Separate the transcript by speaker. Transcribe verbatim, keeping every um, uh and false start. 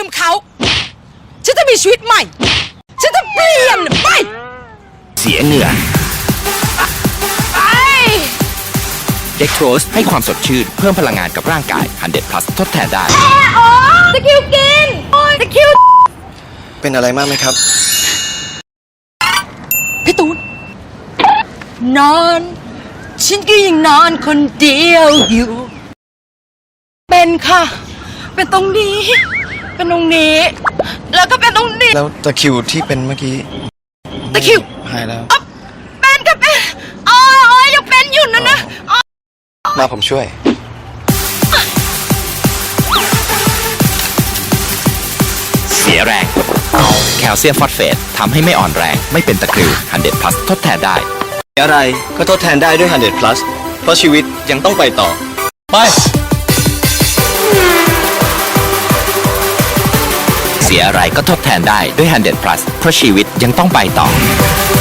Speaker 1: มเขาฉันจะมีชีวิตใหม่ฉันจะเปลี่ยนไป
Speaker 2: เสียเหงื่อเด็กโทสให้ความสดชื่นเพิ่มพลังงานกับร่างกาย ฮันเดรด plus ทดแทนได้
Speaker 1: โอ้ตะคิวกินโอ้ตะคิว
Speaker 3: เป็นอะไรมากไหมครับ
Speaker 1: พี่ตูนนอนฉันก็ยังนอนคนเดียวอยู่เป็นค่ะเป็นตรงนี้เป็นตรงนี้แล้วก็เป็นตรงนี้
Speaker 3: แล้วตะคริวที่เป็นเมื่อกี้
Speaker 1: ตะคิว
Speaker 3: หายแล้ว
Speaker 1: เป็นก็เป็นอ๋อยังเป็นอยู่นะนะ
Speaker 3: มาผมช่วย
Speaker 2: เสียแรงแคลเซียมฟอสเฟตทำให้ไม่อ่อนแรงไม่เป็นตะคริว ฮันเดรด plus ทดแทนได้
Speaker 3: อะไรก็ทดแทนได้ด้วย ฮันเดรด plus เพราะชีวิตยังต้องไปต่อไป
Speaker 2: เสียอะไรก็ทดแทนได้ด้วย ฮันเดรด plus เพราะชีวิตยังต้องไปต่อ